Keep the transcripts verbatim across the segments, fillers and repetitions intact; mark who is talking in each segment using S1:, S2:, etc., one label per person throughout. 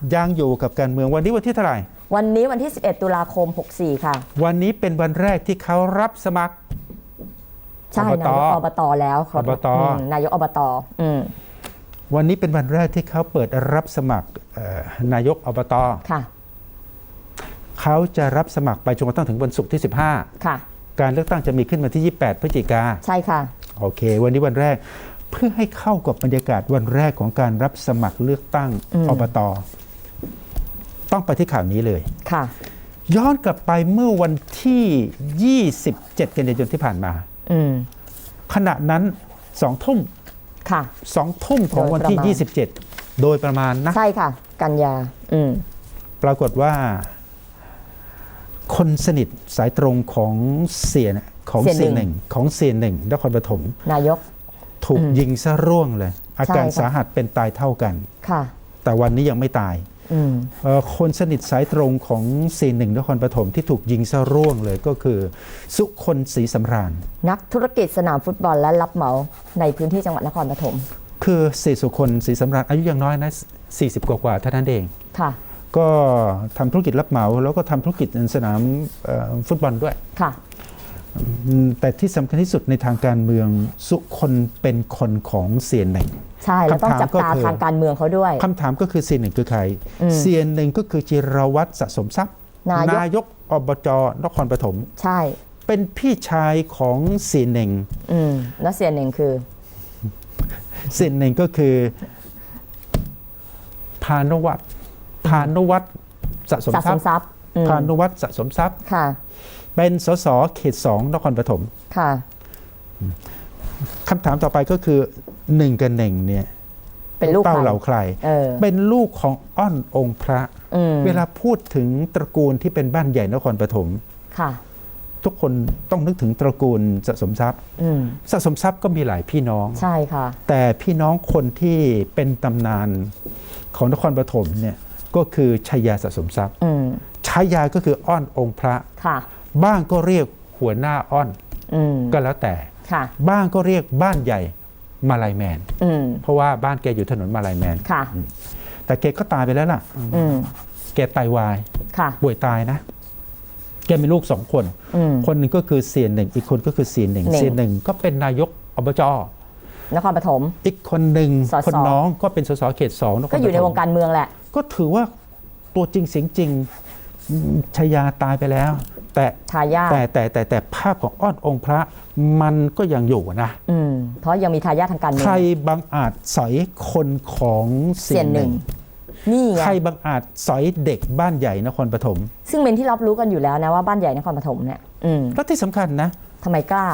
S1: ยังอยู่กับการเมืองวันนี้วันที่เท่าไหร่
S2: วันนี้วันที่สิบเอ็ดตุลาคมหกสี่ค่ะ
S1: วันนี้เป็นวันแรกที่เขารับสมัคร
S2: ใช่นายกอบตแล้ว
S1: อบต
S2: นายกอบต
S1: วันนี้เป็นวันแรกที่เขาเปิดรับสมัครนายกอบต
S2: ค่ะ
S1: เขาจะรับสมัครไปจนกระทั่งถึงวันศุกร์ที่สิบห้า
S2: ค่ะ
S1: การเลือกตั้งจะมีขึ้นวันที่ยี่สิบแปดพฤศจิกา
S2: ใช่ค่ะ
S1: โอเควันนี้วันแรกเพื่อให้เข้ากับบรรยากาศวันแรกของการรับสมัครเลือกตั้งอบตต้องไปที่ข่าวนี้เลย
S2: ค่ะ
S1: ย้อนกลับไปเมื่อวันที่ยี่สิบเจ็ดกันยายนที่ผ่านมาขณะนั้นสองทุ่ม
S2: ค่ะ
S1: สองทุ่มของวันที่ยี่สิบเจ็ดโดยประมาณนะ
S2: ใช่ค่ะกันยา
S1: ปรากฏว่าคนสนิทสายตรงของเสียของเสียหนึ่งของเสียหนึ่งนครปฐม
S2: นายก
S1: ถูกยิงซะร่วงเลยอาการสาหัสเป็นตายเท่ากัน
S2: ค่ะ
S1: แต่วันนี้ยังไม่ตายคนสนิทสายตรงของเสียหนึ่งนครปฐมที่ถูกยิงซะร่วงเลยก็คือสุคนศรีสำราญ
S2: นักธุรกิจสนามฟุตบอลและรับเหมาในพื้นที่จังหวัดนครปฐม
S1: คือเสียสุคนศรีสำราญอายุยังน้อยนะสี่สิบกว่าๆเท่านั้นเอง
S2: ค่ะ
S1: ก็ทำธุรกิจรับเหมาแล้วก็ทำธุรกิจในสนามฟุตบอลด้วย
S2: ค่ะ
S1: แต่ที่สำคัญที่สุดในทางการเมืองสุคนเป็นคนของเสียหนึ่ง
S2: ใช่แล้วต้องจับตาทางการเมืองเขาด้วย
S1: คำถามก็คือเสียหนึ่งคือใครเสียหนึ่งก็คือจิรวัตรสะสมทรัพย์นายกอบจนครปฐม
S2: ใช่
S1: เป็นพี่ชายของเสียหนึ่ง
S2: อืมแล้วเสียหนึ่งคือ
S1: เสียหนึ่งก็คือพานุวัฒน์พานุวัฒน์สะสมทรัพย์พานุวัฒน์สะสมทรัพย์
S2: ค่ะ
S1: เป็นสสเขตสองนครปฐม
S2: ค่ะ
S1: คำถามต่อไปก็คือหนึ่งกับหนึ่งเนี่ย
S2: เป็นลูก
S1: เต้าเหล่าใครเป็นลูกของอ้อนองค์พระเวลาพูดถึงตระกูลที่เป็นบ้านใหญ่นครปฐม
S2: ค่ะ
S1: ทุกคนต้องนึกถึงตระกูลสะสมทรัพย์สะสมทรัพย์ก็มีหลายพี่น้อง
S2: ใช่ค่ะ
S1: แต่พี่น้องคนที่เป็นตำนานของนครปฐมเนี่ยก็คือชัยยาสะสมทรัพย์ชัยยาก็คืออ้อนองค์พระ
S2: ค่ะ
S1: บ้างก็เรียกหัวหน้าอ้อนก็แล้วแต่บ้างก็เรียกบ้านใหญ่มาลายแมนเพราะว่าบ้านแกอยู่ถนนมาลายแมนแต่แกก็ตายไปแล้วล่ะแกไตวายป่วยตายนะแกมีลูกสองคนคนหนึ่งก็คือเสียหนึ่งอีกคนก็คือเสียหนึ่งเสียหนึ่งก็เป็นนายกอบจ
S2: นครปฐม
S1: อีกคนหนึ่งคนน้องก็เป็นสสเขตสอง
S2: ก็อยู่ในวงการเมืองแหละ
S1: ก็ถือว่าตัวจริงเสียงจริงชยาตายไปแล้วแต่แต่แต่แต่แต่ภาพของอ้อนองค์พระมันก็ยังอยู่นะ
S2: อืมเพราะยังมีทายาททางการเมือง
S1: ใครบังอาจสอยคนของเสียหนึ่ง
S2: นี่
S1: ใครบังอาจสอยเด็กบ้านใหญ่นครปฐม
S2: ซึ่งเป็นที่รับรู้กันอยู่แล้วนะว่าบ้านใหญ่นครปฐมเนี่ย
S1: แล้วที่สำคัญนะ
S2: ทำไมกล้า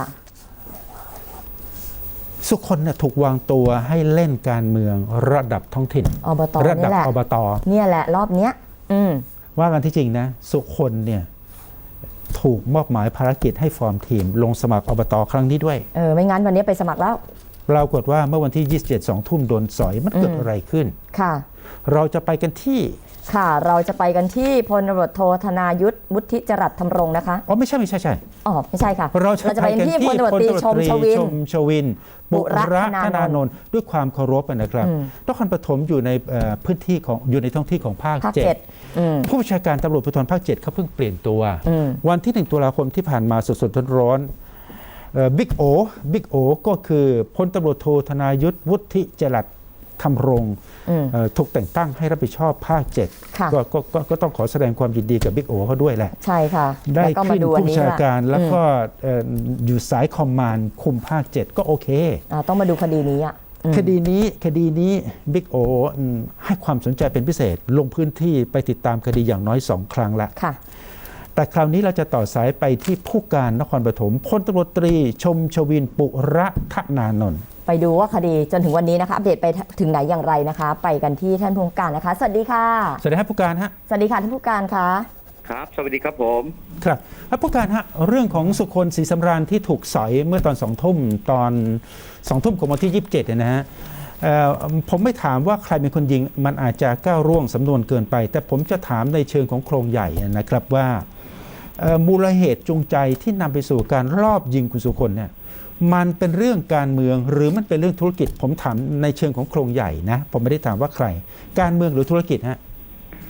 S1: สุคนเนี่ยถูกวางตัวให้เล่นการเมืองระดับท้องถิ่น
S2: อบต
S1: ระดับอบต
S2: เนี่ยแหละรอบเนี้ย
S1: ว่ากันที่จริงนะสุคนเนี่ยถูกมอบหมายภารกิจให้ฟอร์มทีมลงสมัครอบตครั้งนี้ด้วย
S2: เออไม่งั้นวันนี้ไปสมัครแล้ว
S1: ปรากฏว่าเมื่อวันที่ยี่สิบเจ็ด สองทุ่มโดนสอยมันเกิดอะไรขึ้น
S2: ค่ะ
S1: เราจะไปกันที่
S2: ค่ะเราจะไปกันที่พลตำรวจโทธนายุทธวุฒิจรัสธรรมรงค์นะคะ
S1: อ๋อไม่ใช่ไม่ใช่ใช่
S2: อ๋อไม่ใช่ค่ะ
S1: เราจะไปกันที่พลตำรวจตรีชมชวินชวินปุระธนานนท์ด้วยความเคารพนะครับนครปฐมอยู่ในพื้นที่ของอยู่ในท้องที่ของภาคเจ็ดผู้บัญชาการตำรวจภูธรภาคเจ็ดเขาเพิ่งเปลี่ยนตัววันที่หนึ่งตุลาคมที่ผ่านมาสดๆร้อนๆบิ๊กโอบิ๊กโอก็คือพลตำรวจโทธนายุทธวุฒิจรัสธรรมรงค์ถูกแต่งตั้งให้รับผิดชอบภาคเจ็ดก็ก็ก็ต้องขอแสดงความยินดีกับบิ๊กโอเขาด้วยแหละ
S2: ใช่ค่ะ
S1: ได้ขึ้นผู้บัญชาการแล้วก็อยู่สายคอมมานด์คุมภาคเจ็ดก็โอเค
S2: ต้องมาดูคดีนี้อ่ะ
S1: คดีนี้คดีนี้บิ๊กโอให้ความสนใจเป็นพิเศษลงพื้นที่ไปติดตามคดีอย่างน้อยสองครั้งละแต่คราวนี้เราจะต่อสายไปที่ผู้การนครปฐมพลตำรวจตรีชมชวินปุระธนานนท์
S2: ไปดูว่าคดีจนถึงวันนี้นะคะอัปเดตไปถึงไหนอย่างไรนะคะไปกันที่ท่านผู้การนะคะสวัสดีค่ะ
S1: สวัสดีครับผู้การฮะ
S2: สวัสดีค่ะท่านผู้การคะ
S3: ครับสวัสดีครับผม
S1: ครับผู้การฮะเรื่องของสุคนศรีสำราญที่ถูกสอยเมื่อตอนสองทุ่มตอนสองทุ่มของวันที่ยี่สิบเจ็ดเนี่ยนะฮะผมไม่ถามว่าใครเป็นคนยิงมันอาจจะก้าวร่วงสำนวนเกินไปแต่ผมจะถามในเชิงของโครงใหญ่นะครับว่ามูลเหตุจูงใจที่นำไปสู่การลอบยิงคุณสุคนเนี่ยมันเป็นเรื่องการเมืองหรือมันเป็นเรื่องธุรกิจผมถามในเชิงของโครงใหญ่นะผมไม่ได้ถามว่าใครการเมืองหรือธุรกิจฮะ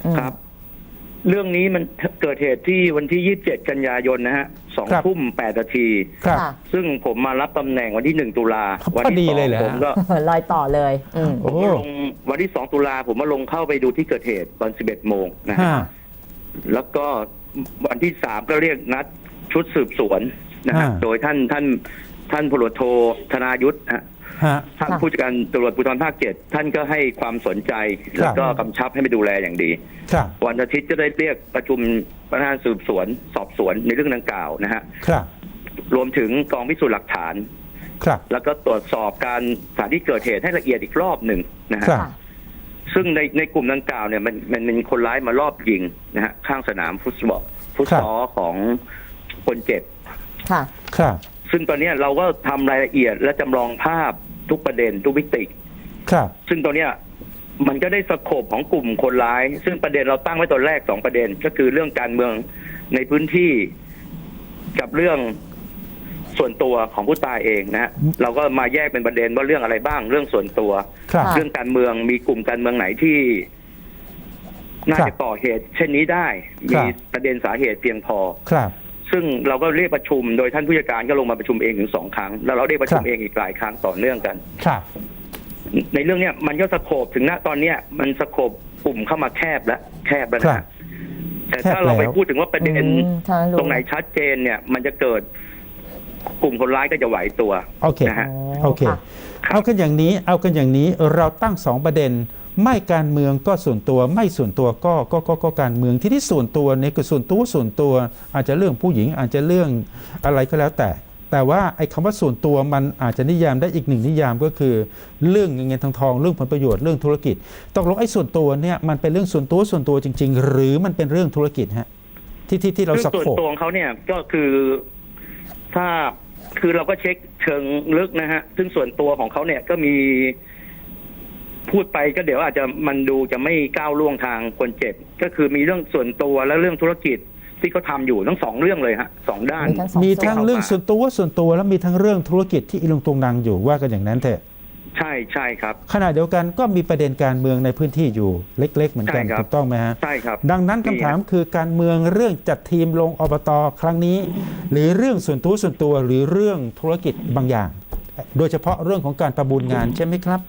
S3: ครับ เรื่องนี้มันเกิดเหตุที่วันที่ยี่สิบเจ็ดกันยายนนะฮะสอง
S1: ครับ
S3: ทุ่มแปดนาที
S1: ครับ
S2: ค่ะ
S3: ซึ่งผมมารับตำแหน่งวันที่หนึ่งตุลา
S1: พอ
S3: วัที่
S1: ดี
S3: สอ
S1: เลย
S3: ง
S1: เหรอ
S3: ผมก็
S2: ลอยต่อเลยอืม
S1: โอ้
S3: ผมมาลงวันที่สองตุลาผมมาลงเข้าไปดูที่เกิดเหตุตอนสิบเอ็ดโมงนะฮะ
S1: ฮะ
S3: แล้วก็วันที่สามก็เรียกนัดชุดสืบสวนนะฮะ
S1: อ่า
S3: โดยท่านท่านท่านพลตำรวจโทธนายุทธฮะ
S1: ฮะ
S3: ท่าน
S2: ค่ะ
S3: ผู้จัดการตำรวจภูธรภาคเจ็ดท่านก็ให้ความสนใจ
S1: ครับ
S3: แล้วก็กำชับให้ไปดูแลอย่างดี
S1: ครับ
S3: วันอาทิตย์ก็ได้เรียกประชุมพนักงานสืบสวน สอบสวนในเรื่องดังกล่าวนะฮะ
S1: ครับ
S3: รวมถึงกองพิสูจน์หลักฐาน
S1: ครับ
S3: แล้วก็ตรวจสอบการสถานที่เกิดเหตุให้ละเอียดอีกรอบหนึ่งนะฮะ
S1: ครับ
S2: ค่ะ
S3: ซึ่งในในกลุ่มดังกล่าวเนี่ยมันมันเป็นคนร้ายมารอบยิงนะฮะข้างสนามฟุตบอลฟุตซอลของคนเจ็บ
S2: ค่ะ
S1: ครับ
S3: ซึ่งตอนเนี้ยเราก็ทำรายละเอียดและจำลองภาพทุกประเด็นทุกมิติ
S1: ครับ
S3: ซึ่งตอนเนี้ยมันก็ได้สโคปของกลุ่มคนร้าย ซึ่งประเด็นเราตั้งไว้ตอนแรกสองประเด็น ก็คือเรื่องการเมืองในพื้นที่กับเรื่องส่วนตัวของผู้ตายเองนะฮะเราก็มาแยกเป็นประเด็นว่าเรื่องอะไรบ้าง เรื่องส่วนตัว
S1: ครับ
S2: ค่ะ
S3: เรื่องการเมืองมีกลุ่มการเมืองไหนที่น่า
S1: ครับ
S3: จะก่อเหตุ เช่นนี้ได้
S1: ครั
S3: มี
S1: บ
S3: ประเด็นสาเหตุเพียงพอ
S1: ครับ
S3: ซึ่งเราก็เรียกประชุมโดยท่านผู้จัดการก็ลงมาประชุมเองถึงสองครั้งแล้วเราได้ประชุม
S1: ครับ
S3: เองอีกหลายครั้งต่อเนื่องกัน
S1: ครับ
S3: ในเรื่องเนี้ยมันก็สโคบถึงณตอนเนี้ยมันสโคบกลุ่มเข้ามาแคบแล้วแคบแล้ว
S1: ครั
S3: นะ
S1: บ
S3: แต่ถ้าเราไปพูดถึงว่าประเด็น
S2: อืมทางรู้
S3: ตรงไหนชัดเจนเนี่ย มันจะเกิดกลุ่มคนร้ายก็จะไหวตัว
S1: โอเค
S3: นะฮะ
S1: โอเค
S2: ค่ะ
S1: เอากันอย่างนี้ เอากันอย่างนี้ เราตั้งสองประเด็น ไม่การเมืองก็ส่วนตัว ไม่ส่วนตัวก็ก็ก็ก็การเมือง ที่ที่ส่วนตัวเนี่ยคือส่วนตัวส่วนตัว อาจจะเรื่องผู้หญิง อาจจะเรื่องอะไรก็แล้วแต่ แต่ว่าไอ้คำว่าส่วนตัวมันอาจจะนิยามได้อีกหนึ่งนิยามก็คือ เรื่องเงินทองทอง เรื่องผลประโยชน์ เรื่องธุรกิจ ตกลงไอ้ส่วนตัวเนี่ยมันเป็นเรื่องส่วนตัวส่วนตัวจริง ๆ หรือมันเป็นเรื่องธุรกิจฮะ ที่ที่ที่เรา
S3: เรื่
S1: ส
S3: องส่วน
S1: โคป
S3: ตัวของเขาเนี่ยก็คือถ้าคือเราก็เช็คเชิงลึกนะฮะ ซึ่งส่วนตัวของเขาเนี่ยก็มีพูดไปก็เดี๋ยวอาจจะมันดูจะไม่ก้าวล่วงทางคนเจ็บ ก็คือมีเรื่องส่วนตัวและเรื่องธุรกิจที่เขาทำอยู่ทั้งสองเรื่องเลยฮะสองด้าน
S2: มีทั้งสอง
S1: มี
S2: ส่วน
S1: ทั้งเรื่องส่วนตัวส่วนตัวแล้วมีทั้งเรื่องธุรกิจที่อีลุงตุงนางอยู่ว่ากันอย่างนั้นเถอะ
S3: ใช่ใช่ครับ
S1: ขณะเดียวกันก็มีประเด็นการเมืองในพื้นที่อยู่เล็ก ๆ เหมือนกัน
S3: ใช่ครับ
S1: ถูกต้องไหมฮะ
S3: ใช่ครับ
S1: ดังนั้นคำถามคือการเมืองเรื่องจัดทีมลงอบตครั้งนี้ หรือเรื่องส่วนตัวส่วนตัวหรือเรื่องธุรกิจบางอย่าง โดยเฉพาะเรื่องของการประมูลงานใช่ไหมครับ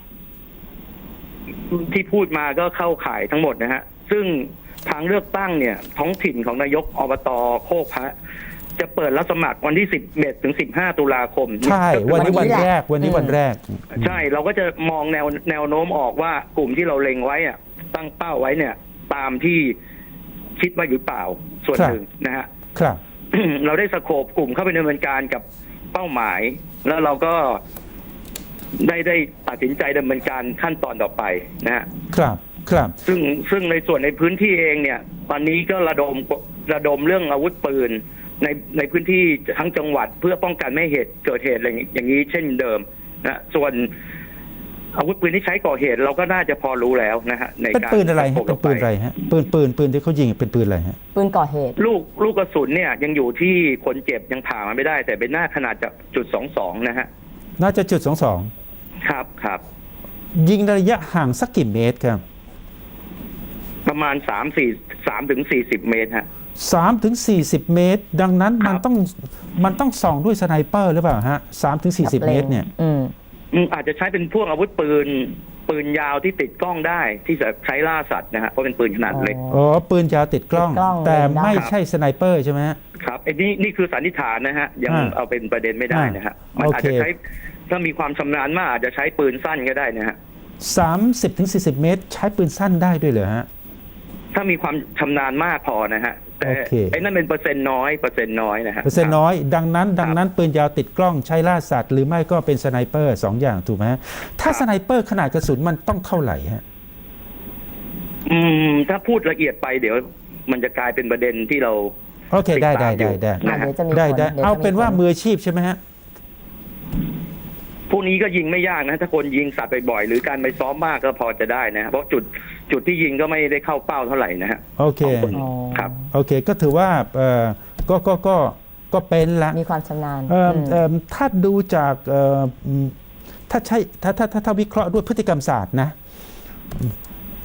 S3: ที่พูดมาก็เข้าข่ายทั้งหมดนะฮะ ซึ่งทางเลือกตั้งเนี่ย ท้องถิ่นของนายกอบตโคกพระจะเปิดรับสมัครวันที่สิบเอ็ดถึงสิบห้าตุลาคม
S1: ใช่ วันนี้
S2: วั
S1: วัน น
S2: นี้แหละ
S1: แรกวันนี้วันแรก
S3: ใช่เราก็จะมองแนวแนวโน้มออกว่ากลุ่มที่เราเล็งไว้อะตั้งเป้าไว้เนี่ย ตามที่คิดว่าหรือเปล่าส่วน
S1: ครับ
S3: หนึ่งนะฮะ
S1: ครับ
S3: เราได้สโคปกลุ่มเข้าไปดำเนินการกับเป้าหมาย แล้วเราก็ได้ได้ตัดสินใจดำเนินการขั้นตอนต่อไปนะฮะ
S1: ครับครับ
S3: ซึ่งซึ่งในส่วนในพื้นที่เองเนี่ย ตอนนี้ก็ระดมระดมเรื่องอาวุธปืนในในพื้นที่ทั้งจังหวัดเพื่อป้องกันไม่ให้เหตุเกิดเหตุอะไรอย่างนี้เช่นเดิมนะส่วนอาวุธปืนที่ใช้ก่อเหตุ เราก็น่าจะพอรู้แล้วนะฮะใน
S1: เป็น
S3: การ
S1: ปืนอะไร
S3: ส
S1: ฮะ
S3: โค
S1: เป็นปืนอะไรฮะปืนปืนปืนที่เขายิงเป็นปืนอะไรฮะ
S2: ปืนก่อเหตุ
S3: ลูกลูกกระสุนเนี่ยยังอยู่ที่คนเจ็บยังผ่ามันไม่ได้ แต่เป็นหน้าขนาดจากจุดสองสองนะฮะ
S1: น่าจะจุดสองสอง
S3: ครับครับ
S1: ยิงระยะห่างสักกี่เมตรครับ
S3: ประมาณสามสี่สามถึงสี่สิบเมตรฮะ
S1: สามถึงสี่สิบเมตร ดังนั้นมัน
S3: ครับ
S1: ต้องมันต้องส่องด้วยสไนเปอร์หรือเปล่าฮะสามถึงสี่สิบเมตรเนี่ย
S2: อืม
S3: อืมอาจจะใช้เป็นพวกอาวุธปืน ปืนยาวที่ติดกล้องได้ที่จะใช้ล่าสัตว์นะฮะเพราะเป็นปืนขนาดเล็ก
S1: อ๋อ ปืนยาวติดกล้อง
S2: ติดกล้อง
S1: แต่
S2: เล็งได้
S1: ไม่ใช่สไนเปอร์ใช่ไหมฮะ
S3: ครับไอ้นี่นี่คือสันนิษฐานนะฮะ ยัง
S1: อ่า
S3: เอาเป็นประเด็นไม่ได้นะฮะ มันอาจจะ
S1: โอเค
S3: ใช้ถ้ามีความชำนาญมากอาจจะใช้ปืนสั้นก็ได้นะฮะ
S1: สามสิบถึงสี่สิบเมตร ใช้ปืนสั้นได้ด้วยเหรอฮะ
S3: ถ้ามีความชำนาญมากพอนะฮะ แต่
S1: โอเค
S3: ไอ้นั่นเป็นเปอร์เซ็นต์น้อยเปอร์เซ็นต์น้อยนะฮะ
S1: เปอร์เซ็นต์น้อย ดังนั้น ดังนั้นปืนยาวติดกล้องใช้ล่าสัตว์ หรือไม่ก็เป็นสไนเปอร์สองอย่างถูกไหมฮะถ้าสไนเปอร์ขนาดกระสุนมันต้องเท่าไหร่ฮะ
S3: อืม ถ้าพูดละเอียดไปเดี๋ยว มันจะกลายเป็นประเด็นที่เรา
S1: โอเค ได้ได้ได้ได้
S2: อ่ะเดี๋ยวจะมี
S1: ได้
S2: ผล
S1: ได้
S2: ดี๋ยวจะ
S1: เอาเป็นว่า
S2: ผล
S1: มืออาชีพใช่ไหมฮะ
S3: พวกนี้ก็ยิงไม่ยากนะ ถ้าคนยิงสัตว์บ่อยๆหรือการไปซ้อมมากก็พอจะได้นะฮะเพราะจุดจุดที่ยิงก็ไม่ได้เข้าเป้าเท่าไหร่นะฮะ
S1: โอเค
S3: ของคน
S2: อ๋อ
S3: ครับ
S1: โอเค ก็ถือว่าเอ่อก็ก็ก็ก็เป็นละ
S2: มีความชำนาญ
S1: เอิ่ม
S2: อืม
S1: เอิ่มถ้าดูจากเอ่ออืมถ้าใช่ถ้าถ้าถ้าถ้าวิเคราะห์ด้วยพฤติกรรมศาสตร์นะ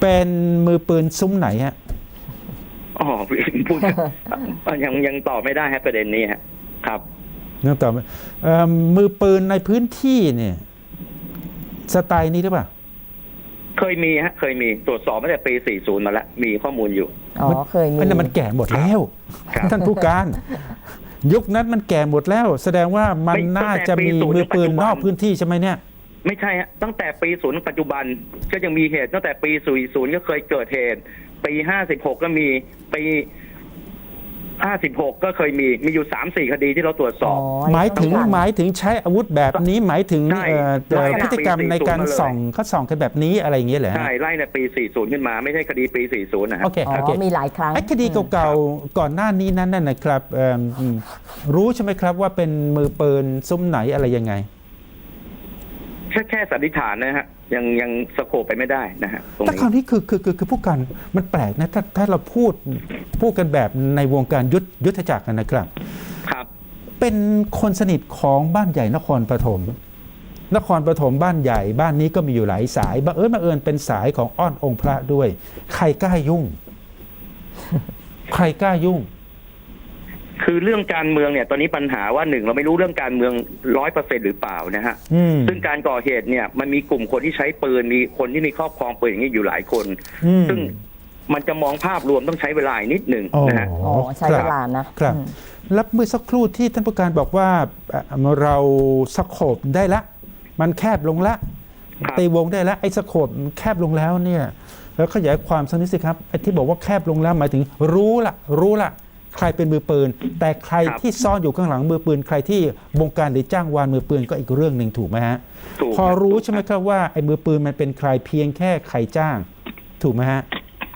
S1: เป็นมือปืนซุ้มไหนฮะ
S3: อ๋อพูด ยังยังตอบไม่ได้ฮะประเด็นนี้ฮะครับ
S1: เนื่องต่อไปเอ่อมือปืนในพื้นที่เนี่ยสไตล์นี้หรือเปล่า
S3: เคยมีฮะเคยมีตรวจสอบมาแต่ปีสี่สิบมาแล้วมีข้อมูลอยู่
S2: อ๋อเคยมี
S1: อันนั้นมันแก่หมดแล้ว
S3: ครับ
S1: ท่านผู้การ ยุคนั้นมันแก่หมดแล้ว แสดงว่ามัน
S3: ไม่
S1: น่าจะมี
S3: ตั้งแต่ปี
S1: มือปืน
S3: ศูนย์
S1: นอกพื้นที่ใช่ไหมเนี่ย
S3: ไม่ใช่ฮะตั้งแต่ปีศูนย์ปัจจุบันก็ยังมีเหตุตั้งแต่ปีศูนย์ศูนย์ก็เคยเกิดเหตุปีห้าสิบหกก็มีปีห้าสิบหกก็เคยมีมีอยู่สามสี่คดีที่เราตรวจสอบ
S1: หมายถึงหมายถึงใช้อาวุธแบบนี้หมายถึง
S3: ใช่
S1: เอ่อเอ่อ
S3: ไล่
S1: พฤติกรรม
S3: ปี
S1: ในการ
S3: สี่สิบ
S1: ส่อง
S3: มาเลย
S1: เขาส่องกันแบบนี้อะไรอย่างเงี้ยเหรอฮะ
S3: ใช่ไล่ในปีสี่สิบขึ้นมาไม่ใช่คดีปีสี่สิบนะฮะ
S1: โอเค
S2: อ๋
S1: โอเค
S2: อมีหลายครั้ง
S1: ไอ้คดีเก่าๆก่อนหน้านี้นั้นน่ะนะครับเอิ่มรู้ใช่ไหมครับว่าเป็นมือปืนซุ้มไหนอะไรยังไง
S3: แค่แค่สันนิษฐานนะฮะยังยังสโคปไปไม่ได้นะฮะตรง
S1: แต่
S3: นี้
S1: คราวนี้คือคือคือคือผู้กันมันแปลกนะถ้าถ้าเราพูดพูดกันแบบในวงการยุทธยุทธจักรนะครับ
S3: ครับ
S1: เป็นคนสนิทของบ้านใหญ่นครปฐมนครปฐมบ้านใหญ่บ้านนี้ก็มีอยู่หลายสายบังเอิญบังเอิญเป็นสายของอ้อนองค์พระด้วย ใครกล้ายุ่ง ใครกล้ายุ่ง
S3: คือเรื่องการเมืองเนี่ยตอนนี้ปัญหาว่าหนึ่งเราไม่รู้เรื่องการเมืองร้อยเปอร์เซ็นต์หรือเปล่านะฮะ
S1: อืม
S3: ซึ่งการก่อเหตุเนี่ยมันมีกลุ่มคนที่ใช้ปืนมีคนที่มีครอบครองปืนอย่างนี้อยู่หลายคน
S1: อืม
S3: ซึ่งมันจะมองภาพรวมต้องใช้เวลาอีกนิดหนึ่ง
S1: อ๋อ
S3: นะฮะ
S2: อ๋อใช้เวลานะครับ อืม
S1: แล้วเมื่อสักครู่ที่ท่านผู้การบอกว่าเอ่อเราสโคบได้ละ มันแคบลงละ
S3: ครับ
S1: ตีวงได้ละไอ้สโคบแคบลงแล้วเนี่ยแล้วขยายความสักนิดสิครับไอ้ที่บอกว่าแคบลงแล้วหมายถึงรู้ละรู้ละใครเป็นมือปืน แต่ใครที่ซ่อนอยู่ข้างหลังมือปืน ใครที่บงการหรือจ้างวานมือปืนก็อีกเรื่องหนึ่งถูกไหมฮะ
S3: ถูก
S1: พอรู้ใช่ไหมครับว่าไอ้มือปืนมันเป็นใครเพียงแค่ใครจ้าง ถูกไหมฮะ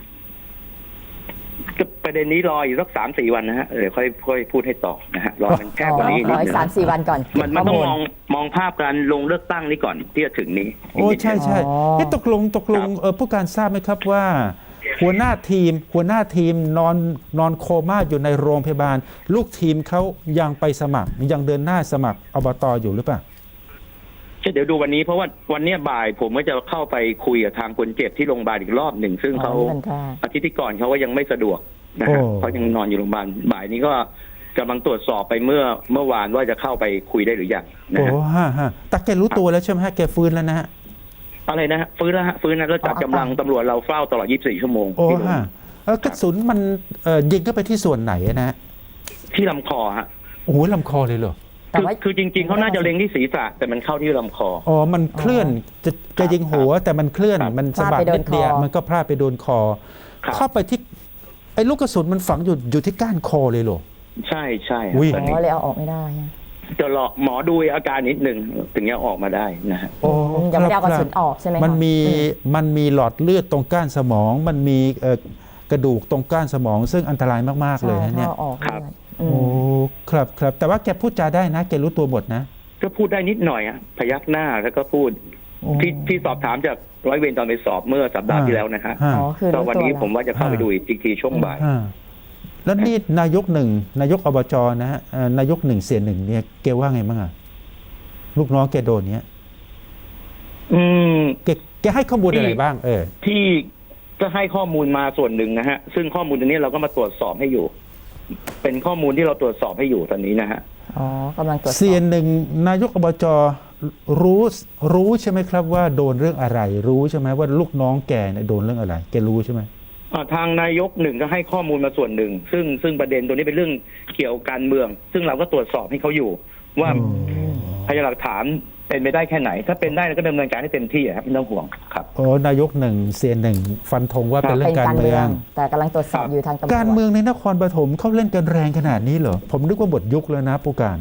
S3: ก็ประเด็นนี้รออีกสักสามสี่วันนะฮะเดี๋ยวค่อยค่อยพูดให้ต่อนะฮะรอมันแคบกว่านี้
S2: ข
S3: นิ
S2: อ
S3: ด
S2: อี
S3: นึ
S2: ก
S3: ง
S2: สามสี่วันก่อน
S3: มันมันต้อง
S2: ข้
S3: มองมองภาพการลงเลือกตั้งนี้ก่อนที่จะถึงนี้
S1: โอ้ใช่ใช่
S2: อ๋อ
S1: เอ๊ะตกลงตกลงเออผู้การทราบไหมครับว่า หัวหน้าทีม หัวหน้าทีมนอนนอนโคม่าอยู่ในโรงพยาบาล ลูกทีมเขายังไปสมัคร ยังเดินหน้าสมัครอบตอยู่หรือเปล่า
S3: เดี๋ยวดูวันนี้เพราะว่าวันเนี้ยบ่ายผมก็จะเข้าไปคุยกับทางคนเจ็บที่โรงพยาบาลอีกรอบหนึ่งซึ่งเขา
S2: อ๋อนี่มันแค่
S3: อาทิตย์ที่ก่อนเขาก็ยังไม่สะดวกนะฮะ
S1: โอ้
S3: เขายังนอนอยู่โรงพยาบาลบ่ายนี้ก็กำลังตรวจสอบไปเมื่อเมื่อวานว่าจะเข้าไปคุยได้หรือยังนะ
S1: โอ้
S3: ฮะ
S1: ฮะฮะแต่แกรู้ตัวแล้วใช่ไหมฮะแกฟื้นแล้วนะฮะ
S3: อะไรนะฮะฟื้นแล้วฮะฟื้นแล้วแล้วจัด
S2: อ๋อ
S3: กำลังตำรวจเราเฝ้าตลอดยี่สิบสี่ชั่วโมง
S1: โอ้
S3: ที่โรง
S1: ฮะเออกระสุนมันเอ่อยิงเข้าไปที่ส่วนไหนนะฮะ
S3: ที่ลำคอฮะ
S1: โอ้โหลำคอเลยเหรอ
S2: แต่
S3: คือ
S2: ว่า
S3: คือจริง ๆเขาน่าจะเล็งที่ศีรษะแต่มันเข้าที่ลำคอ
S1: อ๋อ มันเคลื่อนจะจะยิงหัวแต่มันเคลื่อน
S3: ครับ
S1: มันสะบัด
S2: พลาดไปโด
S1: นิ
S2: น
S1: ดเดียว
S2: คอ
S1: มันก็พลาดไปโดนคอ
S3: ครับ
S1: เข้าไปที่ไอ้ลูกกระสุนมันฝังอยู่อยู่ที่ก้านคอเลยเหรอ
S3: ใช่ใช่
S1: อุ้ย
S3: ตอน
S2: อ๋
S3: นี้
S2: อเลยเอาออกไม่ได้ฮะ
S3: จะรอหมอดูอาการนิดหนึ่งถึงจะออกมาได้นะฮะ
S1: โอ้
S2: ยังไม่ได้เอากระ
S1: ค
S2: สุ
S1: บ
S2: นออกใช่ไหมคะ
S1: มันมี
S2: อื
S1: มันมีหลอดเลือดตรงก้านสมอง มันมีเอ่อกระดูกตรงก้านสมอง ซึ่งอันตรายมากๆเลย
S2: ใช่
S1: นะเนี่ย
S2: ถ้าเอาออก
S3: ครับ
S2: เลือดอื
S1: โอ้
S2: ม
S1: ครับครับแต่ว่าแกพูดจาได้นะแกรู้ตัวหมดนะ
S3: ก็พูดได้นิดหน่อยอะพยักหน้าแล้วก็พูด
S1: โอ้
S3: ที่ที่สอบถามจากร้อยเวรตอนไปสอบเมื่อสัปดาห์ที่แล้วนะฮะ
S1: ฮะ
S2: อ๋อคือ
S3: ก็
S2: รู้
S3: วัน
S2: ตัว
S3: นี้
S2: แล้ว
S3: ผมว่าจะเข้าไปดูอีกทีช่วงบ่าย
S1: ฮะแล้วนี่นายกหนึ่งนายกอบจนะฮะเอ่อนายกหนึ่งเสียหนึ่งเนี่ยแกว่าไงบ้างอะลูกน้องแกโดนเนี้ย
S3: อืม
S1: แกแกให้ข้อมูล
S3: ที่
S1: อะไรบ้างเออ
S3: ที่ก็ให้ข้อมูลมาส่วนหนึ่งนะฮะ ซึ่งข้อมูลตรงนี้เราก็มาตรวจสอบให้อยู่ เป็นข้อมูลที่เราตรวจสอบให้อยู่ตอนนี้นะฮะ
S2: อ๋อกำลังตรวจสอบ
S1: เสียหนึ่งนายกอบจรู้รู้ใช่ไหมครับว่าโดนเรื่องอะไร รู้ใช่ไหมว่าลูกน้องแกเนี่ยโดนเรื่องอะไรแกรู้ใช่ไหม
S3: อ่าทางนายกหนึ่งก็ให้ข้อมูลมาส่วนหนึ่ง ซึ่งซึ่งประเด็นตัวนี้เป็นเรื่องเกี่ยวกับการเมือง ซึ่งเราก็ตรวจสอบให้เขาอยู่ ว่าพยานหลักฐานเป็นไปได้แค่ไหน ถ้าเป็นได้เราก็ดำเนินการให้เต็มที่อะครับไม่ต้องห่วงครับ
S1: โอ้นายกหนึ่งเสียหนึ่งฟันธงว่าเป็นเรื่อ
S2: เป็น
S1: งการ
S2: การ
S1: เมื
S2: เมื
S1: อ
S2: อง ง แต่กำลังตรวจสอบอยู่ทางตำรวจ
S1: การเมืองในนครปฐมเขาเล่นกันแรงขนาดนี้เหรอผมนึกว่าหมดยุคแล้วนะผู้การ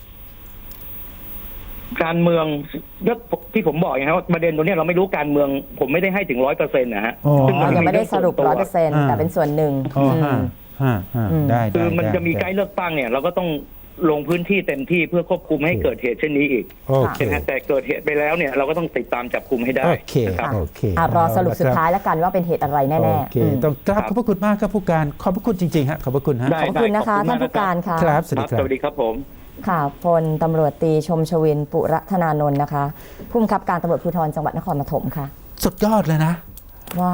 S3: การเมืองก็ที่ผมบอกไงครับว่าประเด็นตัวนี้เราไม่รู้การเมือง ผมไม่ได้ให้ถึงร้อยเปอร์เซ็นต์นะฮะ
S1: อ๋อ
S3: ซึ่ง
S2: อ๋อ
S3: น
S2: ยังไม่ได้สรุป
S3: เง
S2: ร้อย
S3: ส่
S2: เป
S3: ว
S2: อน ร์เซ็นต์
S1: อ่า
S2: แต่เป็นส่วนหนึ่ง
S1: อ๋อ
S2: อื
S1: ฮะ
S2: ม
S1: ฮะฮะ
S2: อืม
S1: ได้
S3: คือ
S1: ได้
S3: มัน
S1: ได้
S3: จะมีใกล้
S1: ได้
S3: เลือกตั้งเนี่ย เราก็ต้องลงพื้นที่เต็มที่เพื่อควบคุมไม่ให้เกิดเหตุเช่นนี้อีก
S1: โอเค
S3: นะฮะแต่เกิดเหตุไปแล้วเนี่ยเราก็ต้องติดตามจับคุมให้ได้
S1: โอเค
S3: นะครับ
S1: โอเค
S2: อ่ะรอสรุปสุด
S1: เอละคบ
S2: ท้ายแล้วกันว่าเป็นเหตุอะไรแน่
S1: โอ
S2: ๆ
S1: เค
S2: อืม
S1: ต้องกราบ
S3: ครับ
S1: ขอบพระคุณมากครับผู้การขอบพระคุณจริงๆฮะขอบพระคุณฮะ
S3: ได้
S2: ขอบคุณนะคะ
S3: ได้
S2: ท่านผู้การค่ะ
S1: ครับสวัส
S3: ค
S1: ดี
S3: รับ
S1: ครั
S3: ส
S1: บ
S3: วัสดีครับผม
S2: ค่ะพลตำรวจตรีชมชวินปุระธนานนท์นะคะผู้บังคับการตำรวจภูธรจังหวัดนครปฐมค่ะ
S1: สุดยอดเลยนะ
S2: ว่า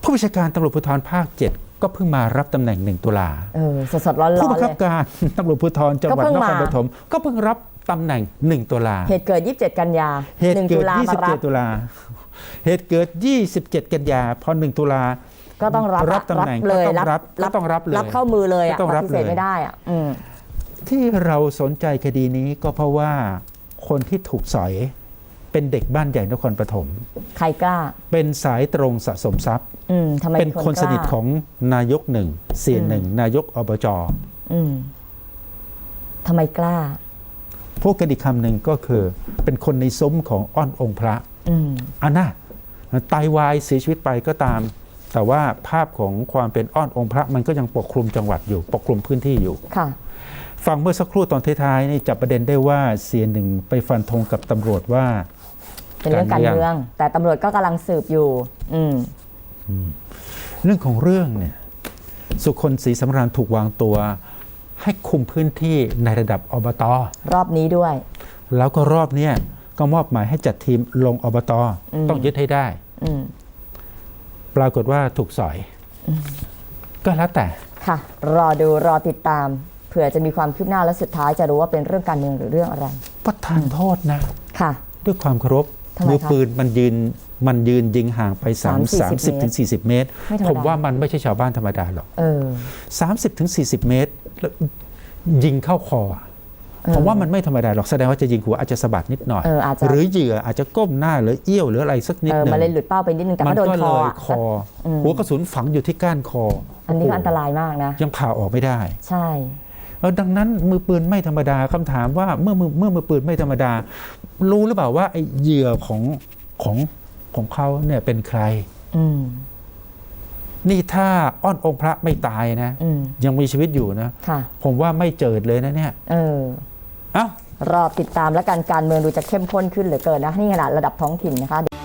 S1: ผู้บัญชาการตำรวจภูธรภาคเจ็ดก็เพิ่งมารับตำแหน่งหนึ่งตุลา
S2: เออสดๆร้อนๆเลย
S1: ผู้บังคับการตำรวจภูธรจังหวัดนครปฐมก็เพิ่งรับตำแหน่งหนึ่งตุลา
S2: เหตุเกิดยี่สิบเจ็ดกันยา
S1: เหตุเกิด
S2: หนึ่ง
S1: ยี่สิบเจ็ด ตุลาเหตุเกิดยี่สิบเจ็ดกันยาพอหนึ่งตุลา
S2: ก็ต้องรับ
S1: รับตำแหน่ง
S2: เลย
S1: ก็ต้องรับก็ต้องรับเลย
S2: รับเข้ามือเลยอ่ะ
S1: ก็ต้องรับ
S2: ปฏิเสธ
S1: เลย
S2: ไม่ได้อ่ะอืม
S1: ที่เราสนใจคดีนี้ก็เพราะว่าคนที่ถูกสอยเป็นเด็กบ้านใหญ่นครปฐม
S2: ใครกล้า
S1: เป็นสายตรงสะสมทรัพย์
S2: อืมทำไม
S1: เป็นคนสนิท
S2: กล้า
S1: ของนายกหนึ่งเสียหนึ่งนายกอบจ
S2: อืมทำไมกล้า
S1: พูดกันอีกคำหนึ่งก็คือเป็นคนในซุ้มของอ้อนองค์พระ
S2: อืม
S1: อันน่ะตายวายเสียชีวิตไปก็ตาม แต่ว่าภาพของความเป็นอ้อนองค์พระมันก็ยังปกคลุมจังหวัดอยู่ปกคลุมพื้นที่อยู่
S2: ค่ะ
S1: ฟังเมื่อสักครู่ตอนท้ายๆนี่จับประเด็นได้ว่าเสียหนึ่งไปฟันธงกับตำรวจว่า
S2: เป็นเรื่องการเมือง แต่ตำรวจก็กำลังสืบอยู่ อืม
S1: เรื่องของเรื่องเนี่ยสุคนศรีสำราญถูกวางตัวให้คุมพื้นที่ในระดับอบต.
S2: รอบนี้ด้วย
S1: แล้วก็รอบเนี้ยก็มอบหมายให้จัดทีมลงอบต.ต้องยึดให้ได้
S2: อืม
S1: ปรากฏว่าถูกสอยก็แล้วแต่
S2: ค่ะ รอดูรอติดตามเผื่อจะมีความคืบหน้าและสุดท้ายจะรู้ว่าเป็นเรื่องการเมืองหรือเรื่องอะไร
S1: ประทานโทษนะ
S2: ค่ะ
S1: ด้วยความเคารพ
S2: ทำไมคะ
S1: มือปืนมันยืนมันยืนยิงห่างไปสาม
S2: สา
S1: สาม ม
S2: สิ
S1: สิ
S2: บบ
S1: ถึงสี่สิบเมตร
S2: ไม่ธรรมดา
S1: ผมว่ามันไม่ใช่ชาวบ้านธรรมดาหรอก
S2: เออ
S1: สามสิบถึงสี่สิบเมตรแล้วยิงเข้าคออะผมว่ามันไม่ธรรมดาหรอกแสดงว่าจะยิงหัวอาจจะสะบัดนิดหน่อย
S2: เอออาจจะ
S1: หรือเหยื่ออาจจะก้มหน้าหรือเอี้ยวหรืออะไรสักนิด
S2: เออ
S1: หนึ่ง
S2: มาเลยหลุดเป้าไปนิดนึงแต่
S1: มั
S2: ก็โดน
S1: ก็
S2: ค
S1: เล
S2: อย อะ
S1: คอ
S2: อืม
S1: หัวกระสุนฝังอยู่ที่ก้านคอ
S2: อันนี้ก็
S1: โโห
S2: อันตรายมากนะ
S1: ยังผ่าออกไม่ได้
S2: ใช่
S1: เออดังนั้นมือปืนไม่ธรรมดาคำถามว่าเมื่อมือเมื่อมือปืนไม่ธรรมดา รู้หรือเปล่าว่าไอ้เหยื่อของของของเขาเนี่ยเป็นใคร
S2: อืม
S1: นี่ถ้าอ้อนองค์พระไม่ตายนะ
S2: อืม
S1: ยังมีชีวิตอยู่นะ
S2: ค่ะ
S1: ผมว่าไม่เจิดเลยนะเนี่ย
S2: เออ
S1: เอ้า
S2: รอติดตามและการการเมืองดูจะเข้มข้นขึ้นเหลือเกินนะนี่ขนาดระดับท้องถิ่นนะคะ